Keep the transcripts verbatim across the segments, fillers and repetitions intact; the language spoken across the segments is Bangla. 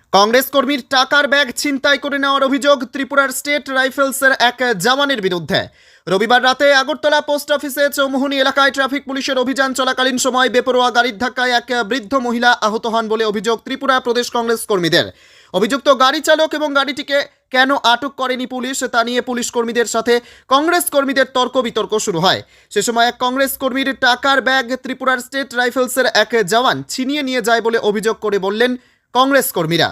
কংগ্রেস কর্মীর টাকার ব্যাগ ছিনতাই করে নেওয়ার অভিযোগ ত্রিপুরার স্টেট রাইফেলসের এক জওয়ানের বিরুদ্ধে। রবিবার রাতে আগরতলা পোস্ট অফিসে চৌমুহনী এলাকায় ট্রাফিক পুলিশের অভিযান চলাকালীন সময় বেপরোয়া গাড়ির ধাক্কায় এক বৃদ্ধ মহিলা আহত হন বলে অভিযোগ ত্রিপুরা প্রদেশ কংগ্রেস কর্মীদের। অভিযুক্ত গাড়ি চালক এবং গাড়িটিকে কেন আটক করেনি পুলিশ তা নিয়ে পুলিশ কর্মীদের সাথে কংগ্রেস কর্মীদের তর্ক বিতর্ক শুরু হয়। সে সময় এক কংগ্রেস কর্মীর টাকার ব্যাগ ত্রিপুরার স্টেট রাইফেলসের এক জওয়ান ছিনিয়ে নিয়ে যায় বলে অভিযোগ করে বললেন কংগ্রেস কর্মীরা।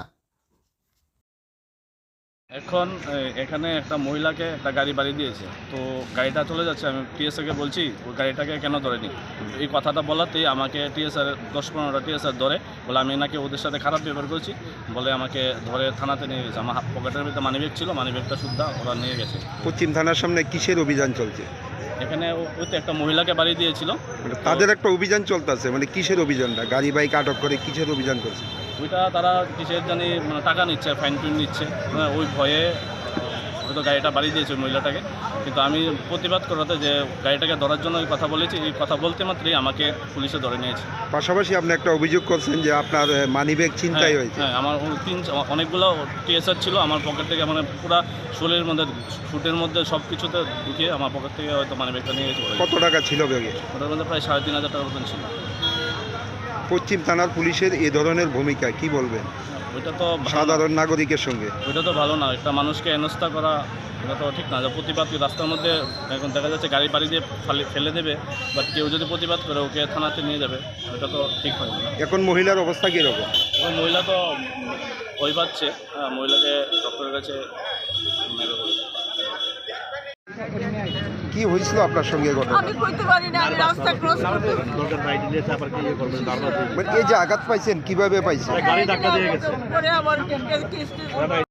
এখন এখানে একটা মহিলাকে একটা গাড়ি বাড়ি দিয়েছে, তো গাড়িটা চলে যাচ্ছে। আমি টিএসআরকে বলছি ওই গাড়িটাকে কেন ধরেনি। এই কথাটা বলাতেই আমাকে টিএসআর দশ পনেরোটা টিএসআর ধরে বলে আমি নাকি ওদের সাথে খারাপ ব্যবহার করছি বলে আমাকে ধরে থানাতে নিয়ে গেছে। আমার পকেটের ভিতরে মানিব্যাগ ছিল, মানিব্যাগটা শুদ্ধা ওরা নিয়ে গেছে। পশ্চিম থানার সামনে কিসের অভিযান চলছে? এখানে ওই তো একটা মহিলাকে বাড়ি দিয়েছিল, তাদের একটা অভিযান চলতেছে, মানে কিসের অভিযানটা? গাড়ি বাইক আটক করে কিসের অভিযান করছে? ওইটা তারা কিসের জানি মানে টাকা নিচ্ছে, ফাইন টুইন নিচ্ছে, মানে ওই ভয়ে হয়তো গাড়িটা বাড়ি দিয়েছে ওই মহিলাটাকে। কিন্তু আমি প্রতিবাদ করাতে যে গাড়িটাকে ধরার জন্য এই কথা বলেছি, এই কথা বলতে মাত্রই আমাকে পুলিশে ধরে নিয়েছে। পাশাপাশি আপনি একটা অভিযোগ করছেন যে আপনার মানিব্যাগ ছিনতাই হয়েছে। হ্যাঁ, আমার তিন অনেকগুলো টিএসআর ছিল আমার পকেট থেকে, মানে পুরো শোলের মধ্যে ফুটের মধ্যে সব কিছুতে ঢুকিয়ে আমার পকেট থেকে হয়তো মানিব্যাগটা নিয়ে গেছে। কত টাকা ছিল ব্যাগে? ওটার মধ্যে প্রায় সাড়ে তিন হাজার টাকার মতন ছিল। পশ্চিম থানার পুলিশের এ ধরনের ভূমিকা কি বলবেন ওইটা তো সাধারণ নাগরিকের সঙ্গে? ওইটা তো ভালো না, একটা মানুষকে হেনস্থা করা এটা তো ঠিক না। যে প্রতিবাদ রাস্তার মধ্যে এখন দেখা যাচ্ছে গাড়ি বাড়ি দিয়ে ফেলে দেবে, বাট কেউ যদি প্রতিবাদ করে ওকে থানাতে নিয়ে যাবে, ওইটা তো ঠিক হয় না। এখন মহিলার অবস্থা কীরকম? এখন মহিলা তো ভয় পাচ্ছে, হ্যাঁ, মহিলাকে ডক্টরের কাছে নেবে বলে। কি হয়েছিল আপনার সঙ্গে ঘটনা? আমি কইতে পারি না, আমি রাস্তা ক্রস করতে মানে এই যে আঘাত পাইছেন কিভাবে পাইছেন? গাড়ি ধাক্কা দিয়ে গেছে পরে আমার